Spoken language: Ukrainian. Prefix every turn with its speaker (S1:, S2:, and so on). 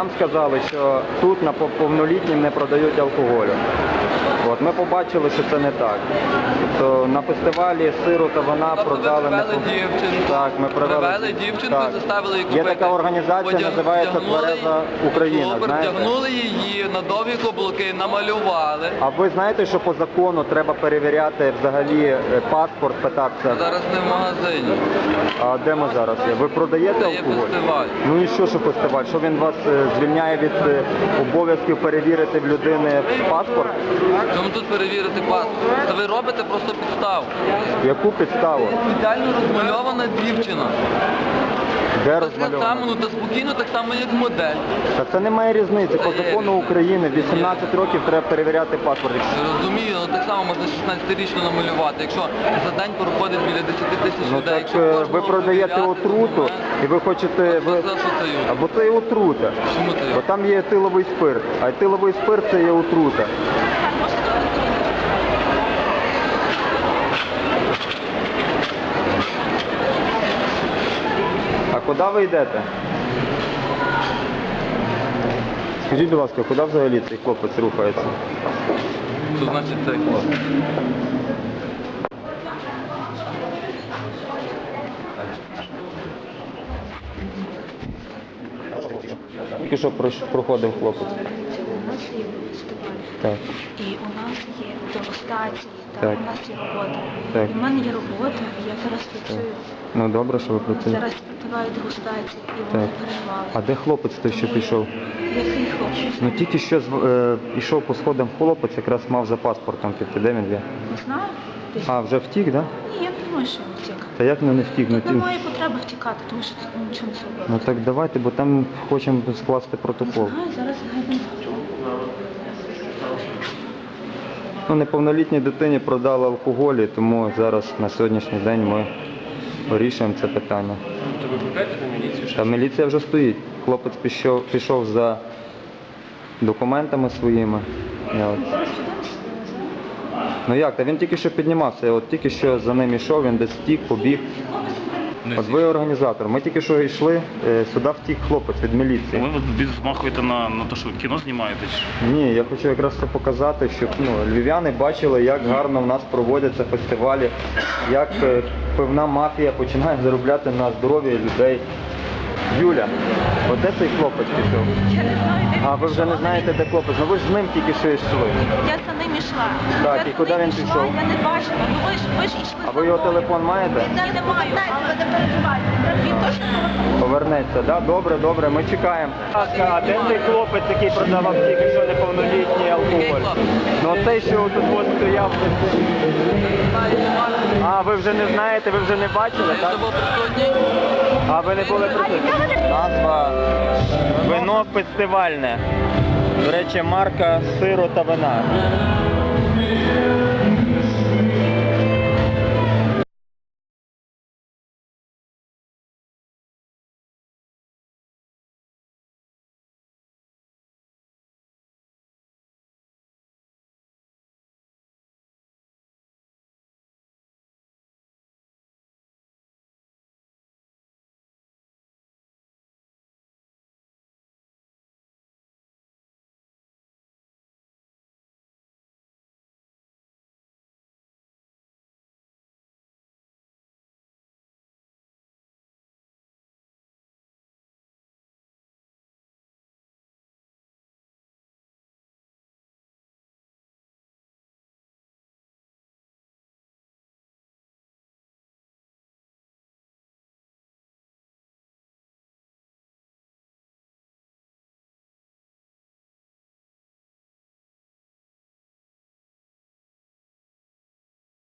S1: нам сказали, що тут на повнолітнім не продають алкоголю. От, ми побачили, що це не так. Тобто на фестивалі сиру та вина продали... Так, ми
S2: привели дівчинку, заставили її купити.
S1: Є така організація, називається Твереза Україна, знаєте?
S2: Вдягнули її на довгі каблуки, намалювали.
S1: А ви знаєте, що по закону треба перевіряти взагалі паспорт, питатися?
S2: Зараз не в магазині.
S1: А де ми зараз є? Ви продаєте алкоголь?
S2: Фестиваль.
S1: Ну і що фестиваль? Що він вас звільняє від обов'язків перевірити в людини паспорт?
S2: Чому тут перевірити паспорт? Та ви робите просто підставу.
S1: Яку підставу?
S2: Ідеально розмальована дівчина.
S1: Де
S2: Так
S1: розмальована?
S2: само, ну та спокійно, так само як модель.
S1: Та це немає різниці. По закону України в 18 років треба перевіряти паспорт.
S2: Я розумію, але так само можна 16-річно намалювати. Якщо за день проходить біля 10 тисяч
S1: Ну
S2: людей,
S1: так ви продаєте отруту і ви хочете... Або це є отрута.
S2: Чому це?
S1: Бо там є етиловий спирт, а етиловий спирт це є отрута. А куди ви йдете? Скажіть, будь ласка, куди взагалі цей хлопець рухається?
S2: Що значить цей хлопець?
S1: Тільки що проходив хлопець.
S3: У нас є фестиваль.
S1: Так.
S3: І у нас є дегустації,
S1: Так.
S3: у нас є робота.
S1: Так.
S3: І в мене є робота, і я зараз працюю.
S1: Ну добре, що ви працюєте.
S3: Зараз співаю дегустації, і вони
S1: Так.
S3: переживали.
S1: А де хлопець той, що пішов?
S3: Який хлопець?
S1: Ну тільки що йшов по сходам хлопець, якраз мав за паспортом піти. Де він є?
S3: Не знаю. Десь.
S1: А, вже втік, так? Да?
S3: Ні, я не думаю, що він втік.
S1: Та як не втік? Ну,
S3: Тут немає потреби втікати, тому що тут нічого не зробили.
S1: ну так давайте, бо там хочемо скласти протокол.
S3: Не знаю, зараз гайдемо.
S1: Ну, неповнолітній дитині продали алкоголь, і тому зараз на сьогоднішній день ми вирішуємо це питання.
S2: То ви викликаєте на міліцію?
S1: Та міліція вже стоїть. Хлопець пішов за документами своїми. Ну як, та він тільки що піднімався, от тільки що за ним йшов, він десь втік, побіг. От ви організатор. Ми тільки що йшли, сюди втік хлопець від міліції.
S4: Ви змахуєте на те, що кіно знімаєте?
S1: Ні, я хочу якраз це показати, щоб львів'яни бачили, як гарно в нас проводяться фестивалі, як певна мафія починає заробляти на здоров'я людей. Юля, от де цей хлопець пішов?
S3: Я не знаю, де він
S1: А ви вже не знаєте, де хлопець? Ну ви ж з ним тільки що йшли.
S3: Я за ним йшла.
S1: Так,
S3: Я
S1: і
S3: за
S1: куди
S3: ним
S1: він
S3: йшла,
S1: пішов?
S3: Я не бачила. Ну ви ж йшли.
S1: А ви його телефон маєте?
S3: Я не маю, але не переживайте. Він точно
S1: Повернеться, так? Да? Добре, добре, ми чекаємо. А де цей хлопець, який продавав тільки що неповнолітній алкоголь? Ну цей, що тут от стояв. А, ви вже не знаєте, ви вже не бачили, так?
S2: Це був присутній?
S1: А ви не були присутні? Назва вино фестивальне. До речі, марка сиру та вина.